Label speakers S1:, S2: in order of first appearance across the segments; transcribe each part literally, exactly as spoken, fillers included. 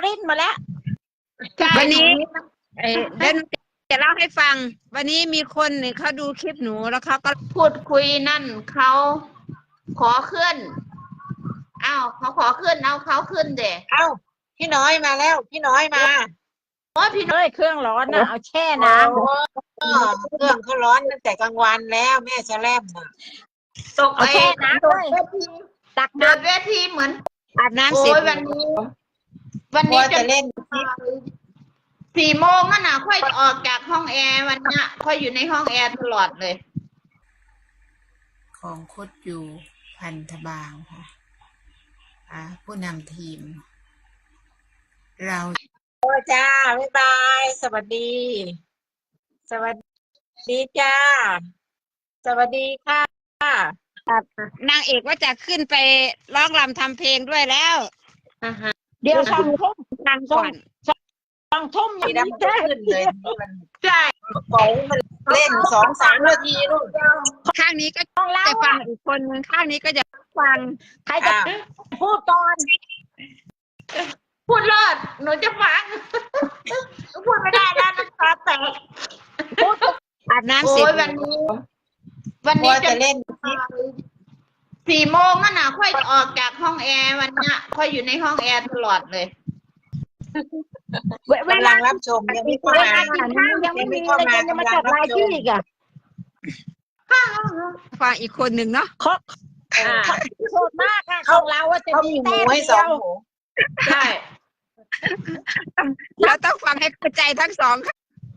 S1: ลิ้นมาแล้ว
S2: วันนี้เอ้เดินจะเล่าให้ฟังวันนี้มีคนหนึ่งเขาดูคลิปหนูแล้วเขาก็พูดคุยนั่นเขาขอขึ้นอ้าวเขาขอขึ้นเอาเขาขึ้นเด็
S3: เอ้าพี่น้อยมาแล้วพี่น้อยมา
S2: โอ้พี่น้อย
S1: เอ้ยเครื่องร้อนนะเอาแช่น้ำ
S3: เครื่องเขาร้อนตั้งแต่กลางวันแล้วแม่จะแลมน่ะ
S2: ตก
S1: เอา
S2: ไอ้
S1: แช่น้ำด้วยตัก
S2: เดิ
S1: น้
S2: นเวทีเหมือน
S1: ำอาบน้ำ
S2: โอ้
S1: เสร็จ
S2: ยวันนี้ วัน
S3: กลั
S2: นี้
S3: ว
S2: จะ
S3: จะเล่น
S2: สี่โมงน่ะค่อยออกจากห้องแอร์วันเนี้ยค่อยอยู่ในห้องแอร์ตลอดเลย
S4: ของโคตรอยู่พันธบางค่ะอ่าผู้นำทีม เรา
S3: โอ้จ้าบ๊ายบายสวัสดี สวัสดีจ้าสวัสดีค่ะ
S2: นางเอกว่าจะขึ้นไปร้องรำทำเพลงด้วยแล้ว
S1: เดี๋ยวสองทุ่ม
S2: นางก่อน
S1: สองทุ่ม
S3: สีดำขึ้นเลยมัน
S2: ใช่
S3: โป๋มันเล่นสองสามนาทีลูก
S2: ข้างนี้ก็
S1: ต้องเล่า
S2: จะฟังอีกคนนึงข้างนี้ก็จะฟัง
S1: ใครจะพูดก่อน
S2: พูดรอดหนูจะฟังพูดไม่ได้แล้วน้ำตาแตก
S1: พูด
S2: อาบน้ำเสร็จวันนี้ วัน
S3: กลัว
S2: นี้
S3: จะ
S2: จะ
S3: เล่น
S2: สี่โมงน่ะค่อยออกจากห้องแอร์วันเนี้ยค่อยอยู่ในห้องแอร์ตลอดเลย
S1: เว
S3: กำลังรับชมยังไม่เข้า
S1: เว
S3: มา
S1: ลากินข้าวยังไม่มีเลยจะมาจัดรายชื่ออีกอ่ะ
S2: ฟังอีกคนหนึ่งเนาะ
S1: เขาเขาโหดมากอะของเราอะจะ
S3: เขา
S1: มี
S3: มีหมู
S1: แต้ม
S3: ให้ส
S1: เดี
S3: อง
S1: ยว
S3: หมู
S2: ใช่เราต้องฟังให้เข้าใจทั้งสองค่ะ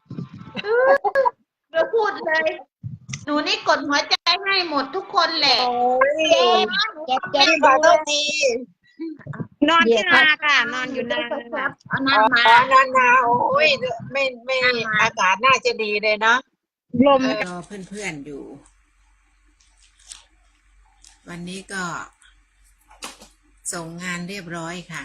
S2: เราพูดเลยหนูนี่กดหัวใจให้หมดทุกคนแหละ
S3: โอ้ย
S1: เจ็บเจ็บ
S3: ขอโทษที
S2: นอนที่นาค่ะ นอนอยู่นาเอานั่นมา
S3: อ๋อนานนาโอ้ยไม่ไม่อากาศน่าจะดีเลยเนาะ
S2: ลม
S4: รอเพื่อนๆอยู่ วันนี้ก็ ส่งงานเรียบร้อยค่ะ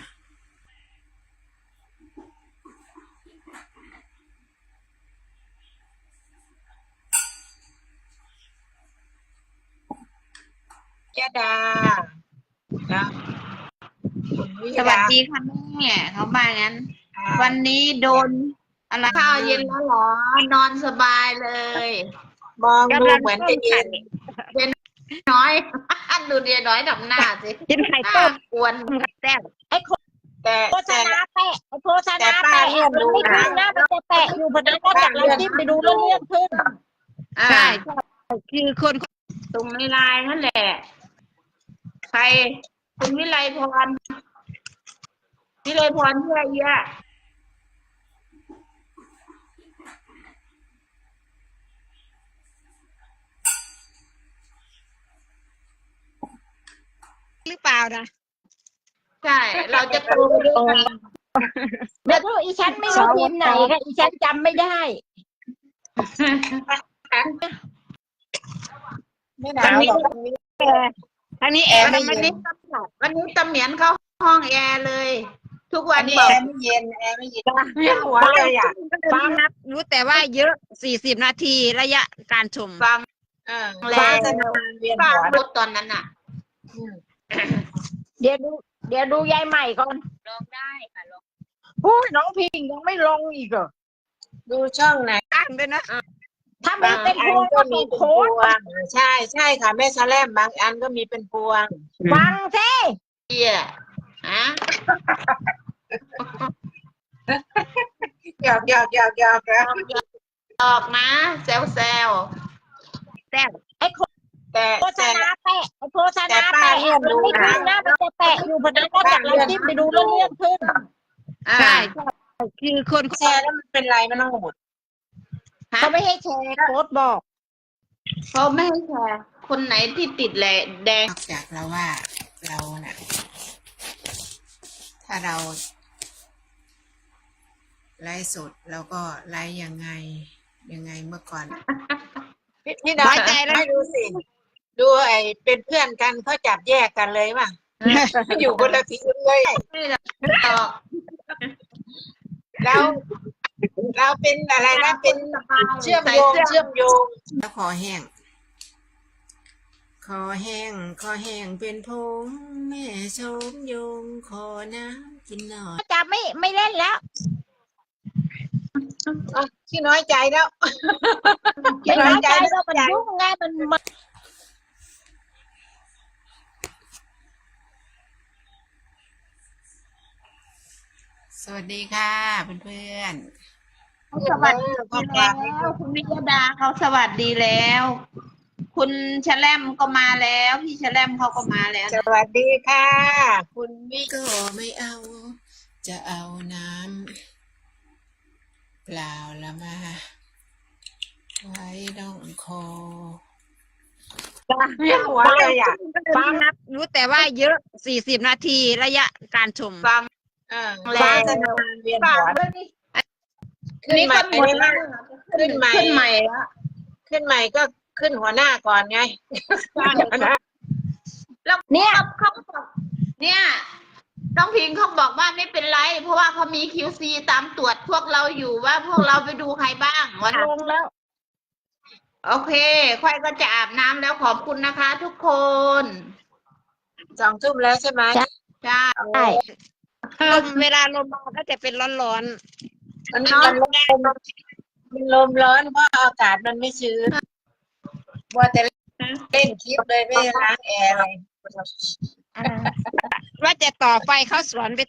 S3: ยะดานะคุณวิ
S2: ส
S3: ย
S2: วัส
S3: ดา
S2: ดีค่ะแม่เขามางั้น วันนี้โดนอะไรข้าวเย็นแล้วเหรอ นอนสบายเลย
S3: มองดูเหมือนจะเย็น
S2: น้อย ดูเดียน้อยทำหน้าสิกินไข่ต้มกวนแซ่บ
S1: ไอ้โฆ
S3: แต่
S1: ษ
S3: แต่
S1: ณาแปะไอ้โฆษณาแปะมันไม่ขึ้นนะมันจะแปะอยู่พอดีก็จากเราจิ้มไปดูแล้วเลื่อนขึ้น
S2: ใช่คือคนตรงในไลน์นั่นแหละ ใครคุณวิไลพรวิไลพรเพื่อเยอะหรือเปล่านะใช่ เราจะโตไปด้วยกัน
S1: เดี๋ยวดูอีฉันไม่รู้ทีมไหนค่ะอีฉันจำไม่ได้
S3: ไม่หนาวหรอก
S2: อันนี้แอร์วันนี้วันนี้ตำเหมียนเข้าห้องแอร์เลย ทุกวั
S3: อั
S2: น
S3: นนี้
S2: บอ
S3: แอก ร์ไม่เย็นแอร์ไม่เย็นไม่หัวเลยอ่ะ
S2: ฟังนับรู้แต่ว่าเยอะสี่สิบนาทีระยะการชมฟัง
S3: เออ
S2: แล้
S3: ฟ้าว จะนานเวียน
S2: ฟัง
S3: หัว
S2: รถตอนนั้นอ่ะ
S3: อืม
S1: เดี๋ยวดูเดี๋ยวดูยายใหม่ก่อน
S2: ลองได้ค่ะลอง
S1: อุ้ยน้องพิงยังไม่ลงอีกเหรอ
S3: ดูช่องไหน
S2: ตั้งด้วยนะ
S1: ถ้ามีเป็นพวง
S3: ก็
S1: ก็
S3: มี
S1: มี
S3: เป็น
S1: โค้
S3: พ
S1: ด
S3: วงใช่ใช่ค่ะแม่ชะแลมบางอันก็มีเป็นพวง
S1: ฟังสิ
S2: เอียฮะ
S3: หยอกหยอกหยอกหยอกแล้ว
S2: ออกนะแซวแซวแซว
S1: ไอ้โฆ
S3: แต่
S1: ษ
S3: แต่
S1: ณาแปะไอ้โฆษ
S3: แต่
S1: ณา
S3: ป้า
S1: แปะ
S3: เลื่อน
S1: มัน
S3: ดู
S1: ไม่
S3: นะ
S1: ขึ้นนะมันจะแปะอยู่พอดีก็จากเราจิ้มไปดูแล้วเลื่อนขึ้น
S2: ใช่คือคน
S3: แชร์แล้วมันเป็นไรมันต้องหมด
S1: เขาไม่ให้แชร์โค้ดบอก
S2: เขาไม่ให้แชร์คนไหนที่ติดแหละแดง
S4: นอกจากเราว่าเราน่ะ ถ้าเรา ไลฟ์สดเราก็ไลฟ์ยังไง ยังไงเมื่อก่อน
S3: พี่น้อยใจแล้วไม่ดูสิดูไอ้เป็นเพื่อนกันเขาจับแยกกันเลยว่ะ อยู่คนละทีเลย
S2: ต่อ
S3: เราเราเป็นอะไรนะเป็นเชื่อมโยงเชื่อมโยง
S4: แล้วคอแห้ง คคอแห้งคอแห้งเป็นผงแม่ชมยงขอน้ำกินหน่อย
S1: จะไม่ไม่เล่นแล้ว
S3: อ่ะขี้น้อยใจแล้ว
S1: ไม่น้อยใจแล้วมันยุ่งไงมันมัน
S4: สวัสดีค่ะเพื่อน
S2: สวัสดี
S3: พ่อ
S2: แล้
S3: ปลาว
S2: คุณวิยดาเขาสวัสดีแล้ว คุณแชลมก็มาแล้ว พี่แชลมเขาก็มาแล้ว
S3: สวัสดีค่ะ คุณวิ
S4: ๆก็ไม่เอา จะเอาน้ำเปล่าละมา ไว้ดองคอ
S3: เวียนหัวเลยอ่ะ
S2: ฟังนับรู้แต่ว่าเยอะสี่สิบนาทีระยะการชมฟัง
S3: เออ
S2: แล้ว
S3: ฟ้าจะนานเวียน
S2: ฟัง
S3: หัว
S2: ด้วยนี่
S3: ขึ้น
S2: นี่
S3: ใหม่
S2: ก็หมดแล้ว
S3: ขึ้นใหม่
S2: ขึ้นใหม่แล้ว
S3: ขึ้นใหม่ก็ขึ้นหัวหน้าก่อนไง
S2: แล้วเนี่ยเขาบอกเนี่ยน้องพิงเขาบอกว่าไม่เป็นไร เพราะว่าเขามี คิว ซี ตามตรวจพวกเราอยู่ว่าพวกเราไปดูใครบ้างวัน
S1: ลงแล้ว
S2: โอเค ค่อยก็จะอาบน้ำแล้วขอบคุณนะคะ ทุกคน
S3: สองทุ่มแล้วใช่ไหม
S2: ใช่
S1: ใช่
S2: ลมเวลาลมมาก็จะเป็นร้อน
S3: มันมันลมมันลมร้อนเพราะอากาศมันไม่ชื้นว่าแต่เล่นคลิปเลยไม่ได้ล้างแอร์อะไร
S2: ๆว่าจะต่อไฟเข้าสวนไป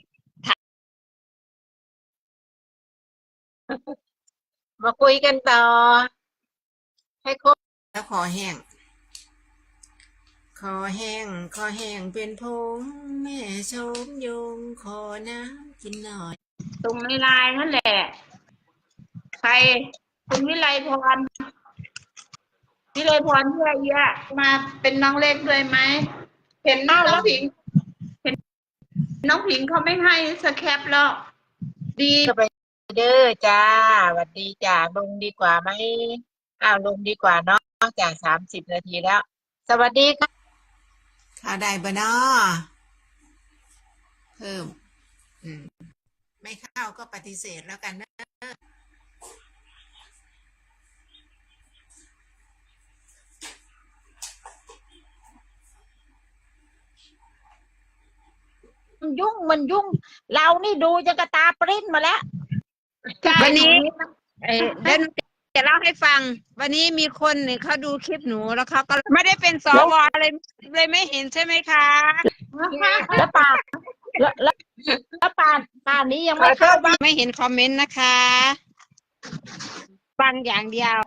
S3: มาคุยกันต่อ ให้ครบ
S4: แล้วคอแห้งคอแห้งคอแห้งเป็นผงแม่ชมยงขอน้ำกินหน่อย
S2: ตรงในไลน์นั่นแหละ ใครคุณวิไลพรวิไลพรเพื่อเยอะมาเป็นน้องเล็กด้วยไหมเห็นน้องผิง เห็นน้องผิงเขาไม่ให้สแคปแล้ว ดี
S3: เด้อจ้าสวัสดีจ้าลงดีกว่าไหมอ้าวลงดีกว่าเนาะจากสามสิบนาทีแล้ว สวัสดีค่ะ
S4: ข้าวได้บะนอเพิ่ม อืม ไม่เข้าก็ปฏิเสธแล้วกันนะ
S1: มันยุ่งมันยุ่ง เรานี่ดูจะกระตาปริ้นมาแล้ว
S2: วันนี้เอ่อเดี๋ยวหนูจะเล่าให้ฟัง วันนี้มีคนหนึ่งเขาดูคลิปหนูแล้วเขาก็ไม่ได้เป็นสวเลยเลยไม่เห็นใช่ไหมคะ
S1: แล้วป่านแล้วแล้วแล้วป่านป่านนี้ยังไม่เข้าบ้าน
S2: ไม่เห็นคอมเมนต์นะคะ ฟังอย่างเดียว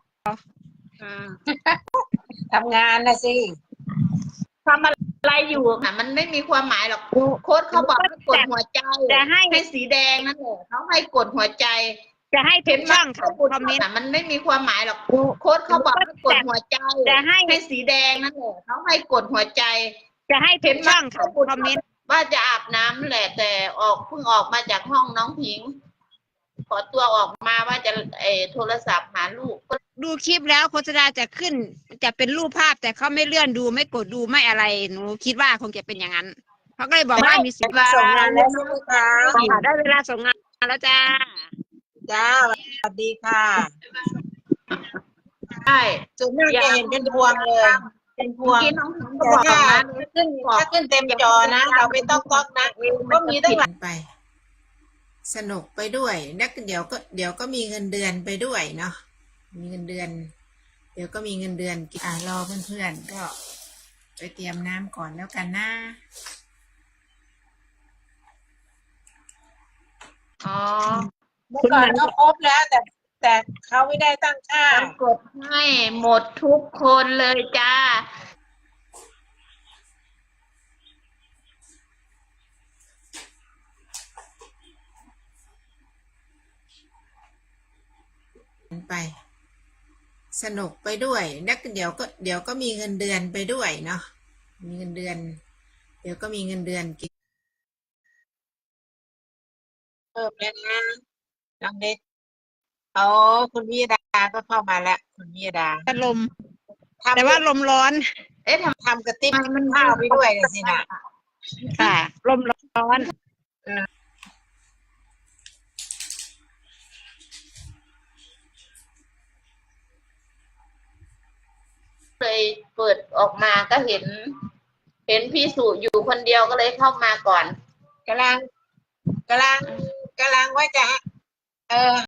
S3: ทำงานนะสิ
S2: ทำอะไรอยู่อ่ะมันไม่มีความหมายหรอกโค้ดเขาบอกให้กดหัวใจจะให้ให้สีแดงนั่นแหละเขาให้กดหัวใจ จะให้เห็นช่องค่ะคอมเมนต์มันไม่มีความหมายหรอกโค้ดเขาบอกให้กดหัวใจจะให้ให้สีแดงนั่นแหละเขาให้กดหัวใจ จะให้เห็นช่องค่ะคอมเมนต์ว่าจะอาบน้ำแหละแต่ออกเพิ่งออกมาจากห้องน้องพิง ขอตัวออกมาว่าจะเออโทรศัพท์หาลูก ดูคลิปแล้วโฆษณาจะขึ้น จะเป็นรูปภาพแต่เขาไม่เลื่อนดูไม่กดดูไม่อะไรหนูคิดว่าคงจะเป็นอย่างนั้นเขาก็เลยบอกว่ามีสิทธิ์
S3: ส่งงานแล้วใช่ไหมคะ
S2: ได้เวลาส่งงานแล้วจ้า
S3: จ้าสวัสดีค่ะ
S2: ใช่
S3: ส่วนมากจะเห็นเป็นพวงเลย เป็นพวง
S2: กินน้องพิงก็
S3: แต่
S2: บอก
S3: ถ้า
S2: นะ
S3: ขึ้นถ้าขึ้นเต็มจอนะ เราไม่ต้องก๊อกนะก็มีตั้งหลาย
S4: ไป สนุกไปด้วยนักเดี๋ยวก็เดี๋ยวก็มีเงินเดือนไปด้วยเนาะมีเงินเดือน เดี๋ยวก็มีเงินเดือนอ่ารอเพื่อนๆก็ไปเตรียมน้ำก่อนแล้วกันนะ
S2: อ๋อ
S3: เมื่อก่อนก็ครบแล้ว แต่แต่เขาไม่ได้ตั้งค่า
S2: กดให้หมดทุกคนเลยจ้า
S4: ไป สนุกไปด้วยนักเดี๋ยวก็เดี๋ยวก็มีเงินเดือนไปด้วยเนาะมีเงินเดือน เดี๋ยวก็มีเงินเดือนกิน
S3: เพิ่มแล้วนะน้องเด็กอ๋อคุณวิยดาก็เข้ามาแล้ว คุณวิยดา
S2: ลม
S3: ทำ
S2: แต่ว่าลมร้อน เอ๊ะท
S3: ทำกระติบข้าวไปด้วยเลยสินะ
S2: ำค่ะ ลมร้อนเลยกเปิดออกมาก็เห็น เห็นพี่สุอยู่คนเดียวก็เลยเข้ามาก่อน
S3: กำลังกำลังกำลังว่าจะ เออ